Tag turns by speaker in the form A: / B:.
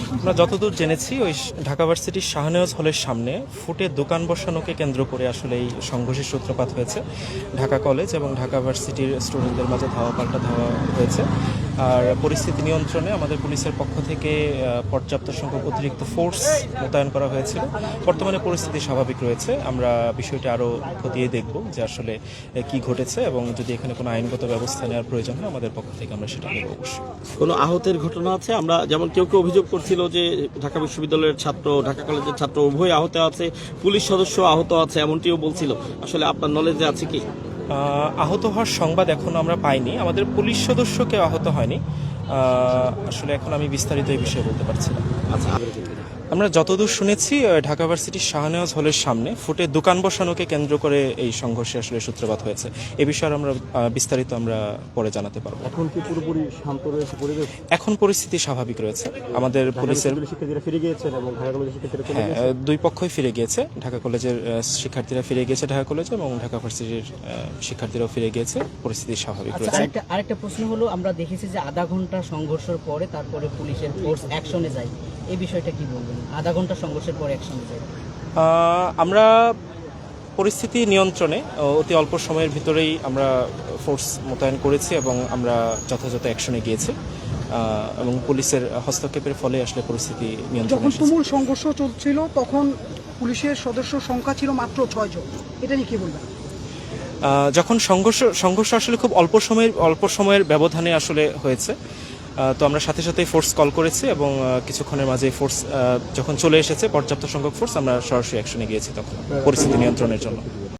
A: আমরা যতদূর জেনেছি ওই ঢাকা ভার্সিটির শাহনেওয়াজ হলের সামনে ফুটে দোকান বসানোকে কেন্দ্র করে আসলে এই সংঘর্ষের সূত্রপাত হয়েছে। ঢাকা কলেজ এবং ঢাকা ভার্সিটির স্টুডেন্টদের মাঝে ধাওয়া পাল্টা ধাওয়া হয়েছে। আর পরিস্থিতি নিয়ন্ত্রণে আমাদের পুলিশের পক্ষ থেকে পর্যাপ্ত সংখ্যক অতিরিক্ত ফোর্স মোতায়েন করা হয়েছিল। বর্তমানে পরিস্থিতি স্বাভাবিক রয়েছে। আমরা বিষয়টি আরও খতিয়ে দেখব যে আসলে কি ঘটেছে, এবং যদি এখানে কোনো আইনগত ব্যবস্থা নেওয়ার প্রয়োজন হয় আমাদের পক্ষ থেকে আমরা সেটা নেব অবশ্যই।
B: কোনো আহতের ঘটনা আছে? আমরা যেমন কেউ অভিযোগ করছিল যে ঢাকা বিশ্ববিদ্যালয়ের ছাত্র, ঢাকা কলেজের ছাত্র উভয় আহত আছে, পুলিশ সদস্য আহত আছে, এমনটিও বলছিল। আসলে আপনার নলেজে আছে কি?
A: আহত হওয়ার সংবাদ এখনো আমরা পাইনি। আমাদের পুলিশ সদস্য কেউ আহত হয়নি। আসলে এখন আমি বিস্তারিত এই বিষয়ে বলতে পারছি না।
B: আচ্ছা,
A: আমরা যতদূর শুনেছি ঢাকা ভার্সিটির শাহনেওয়াজ হলের সামনে ফুটে দোকান বসানোকে কেন্দ্র করে এই সংঘর্ষে আসলে সূত্রপাত হয়েছে। এ বিষয়ে আমরা বিস্তারিত আমরা পরে জানাতে পারবো।
C: এখন কি পুরোপুরি শান্ত রয়েছে পরিবেশ?
A: এখন পরিস্থিতি স্বাভাবিক রয়েছে। আমাদের পুলিশের
C: শিক্ষার্থীরা ফিরে গিয়েছেন এবং ঢাকা কলেজের শিক্ষার্থীরা চলে গেছেন?
A: দুই পক্ষই ফিরে গিয়েছে। ঢাকা কলেজের শিক্ষার্থীরা ফিরে গিয়েছে ঢাকা কলেজে, এবং ঢাকা ভার্সিটির শিক্ষার্থীরাও ফিরে গিয়েছে। পরিস্থিতি স্বাভাবিক রয়েছে।
D: আরেকটা প্রশ্ন হলো, আমরা দেখেছি যে আধা ঘন্টা সংঘর্ষের পরে তারপরে পুলিশের ফোর্স অ্যাকশনে যায়, এই বিষয়টা কি বলবেন? আধা ঘন্টা সংঘর্ষের পরে অ্যাকশনে যায়।
A: আমরা পরিস্থিতি নিয়ন্ত্রণে অতি অল্প সময়ের ভিতরেই আমরা ফোর্স মোতায়েন করেছি এবং আমরা যথাযথ অ্যাকশনে গিয়েছি, এবং পুলিশের হস্তক্ষেপের ফলে আসলে পরিস্থিতি নিয়ন্ত্রণে
E: যখন
A: এসেছে।
E: তুমুল সংঘর্ষ চলছিল তখন পুলিশের সদস্য সংখ্যা ছিল মাত্র 6 জন, এটা নিয়ে কি বলবেন?
A: যখন সংঘর্ষ আসলে খুব অল্প সময়ের ব্যবধানে আসলে হয়েছে, তো আমরা সাথে সাথে ফোর্স কল করেছি, এবং কিছুক্ষণের মাঝে ফোর্স যখন চলে এসেছে, পর্যাপ্ত সংখ্যক ফোর্স, আমরা সরাসরি অ্যাকশনে গিয়েছি তখন পরিস্থিতি নিয়ন্ত্রণের জন্য।